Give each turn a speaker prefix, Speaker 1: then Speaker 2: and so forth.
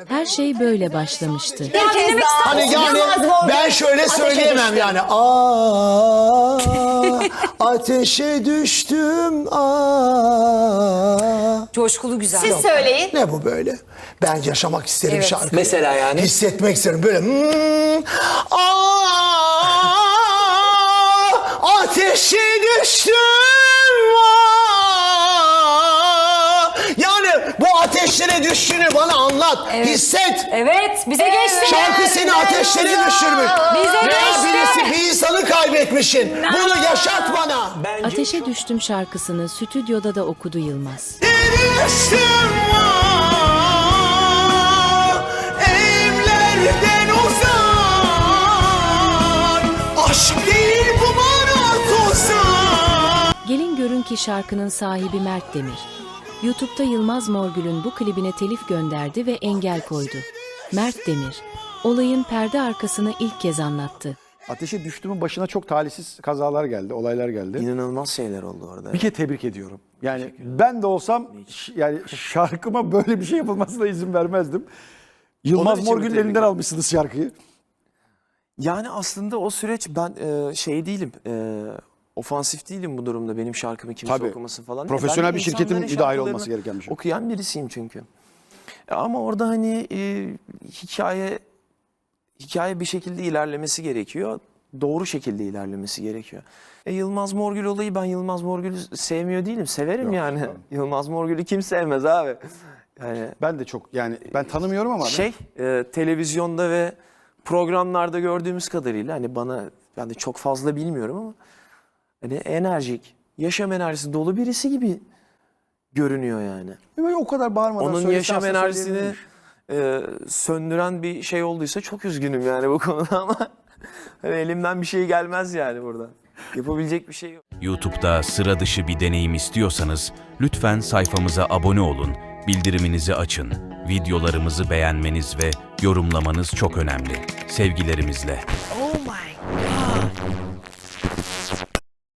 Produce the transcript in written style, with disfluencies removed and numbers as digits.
Speaker 1: Her şey böyle başlamıştı.
Speaker 2: Hani yani ben şöyle söyleyemem yani. Aa, ateşe düştüm. Aa.
Speaker 3: Coşkulu güzel.
Speaker 4: Siz söyleyin.
Speaker 2: Ne bu böyle? Ben yaşamak isterim
Speaker 4: Evet.
Speaker 2: şarkıyı.
Speaker 5: Mesela yani?
Speaker 2: Hissetmek isterim böyle. Ateşe düştüm. Yani bu ateşlere düştüğünü bana anlat. Hisset.
Speaker 3: Evet, bize geçti.
Speaker 2: Şarkı seni ateşlere düşürmüş.
Speaker 3: Bize
Speaker 2: Veya
Speaker 3: geçti.
Speaker 2: birisi bir insanı kaybetmişsin. Bunu yaşat bana.
Speaker 1: Ateşe Düştüm şarkısını stüdyoda da okudu Yılmaz.
Speaker 2: Düştüm evlerden uzak. Aşk değil bu bana tuzak.
Speaker 1: Gelin görün ki şarkının sahibi Mert Demir. YouTube'da Yılmaz Morgül'ün bu klibine telif gönderdi ve engel koydu. Mert Demir, olayın perde arkasını ilk kez anlattı.
Speaker 6: Ateşe Düştüm'ün başına çok talihsiz kazalar geldi, olaylar geldi.
Speaker 5: İnanılmaz şeyler oldu orada.
Speaker 6: Bir kere tebrik ediyorum. Yani ben de olsam yani şarkıma böyle bir şey yapılmasına izin vermezdim. Yılmaz
Speaker 5: için mi
Speaker 6: Morgül'ün
Speaker 5: tebrik
Speaker 6: elinden almışsınız şarkıyı.
Speaker 5: Yani aslında o süreç ben şey değilim. Ofansif değilim bu durumda. Benim şarkımı kimse
Speaker 6: Tabii.
Speaker 5: okumasın falan.
Speaker 6: Profesyonel
Speaker 5: Ben
Speaker 6: bir şirketin
Speaker 5: insanların
Speaker 6: müdahil
Speaker 5: şarkılarını
Speaker 6: olması gereken bir şey.
Speaker 5: Okuyan birisiyim çünkü. Ama orada hani hikaye bir şekilde ilerlemesi gerekiyor. Doğru şekilde ilerlemesi gerekiyor. Yılmaz Morgül olayı, ben Yılmaz Morgül'ü sevmiyor değilim. Severim
Speaker 6: Yok,
Speaker 5: yani.
Speaker 6: tamam.
Speaker 5: Yılmaz Morgül'ü kim sevmez abi? Yani
Speaker 6: Ben de çok yani ben tanımıyorum ama
Speaker 5: televizyonda ve programlarda gördüğümüz kadarıyla hani ben de çok fazla bilmiyorum ama hani enerjik, yaşam enerjisi dolu birisi gibi görünüyor yani.
Speaker 6: böyle o kadar bağırmadan
Speaker 5: Onun
Speaker 6: söylese
Speaker 5: yaşam
Speaker 6: aslında
Speaker 5: enerjisini
Speaker 6: söyleyebilirmiş.
Speaker 5: söndüren bir şey olduysa çok üzgünüm yani bu konuda ama hani elimden bir şey gelmez yani burada. Yapabilecek bir şey yok.
Speaker 7: YouTube'da sıra dışı bir deneyim istiyorsanız lütfen sayfamıza abone olun, bildiriminizi açın. Videolarımızı beğenmeniz ve yorumlamanız çok önemli. Sevgilerimizle.
Speaker 3: Oh my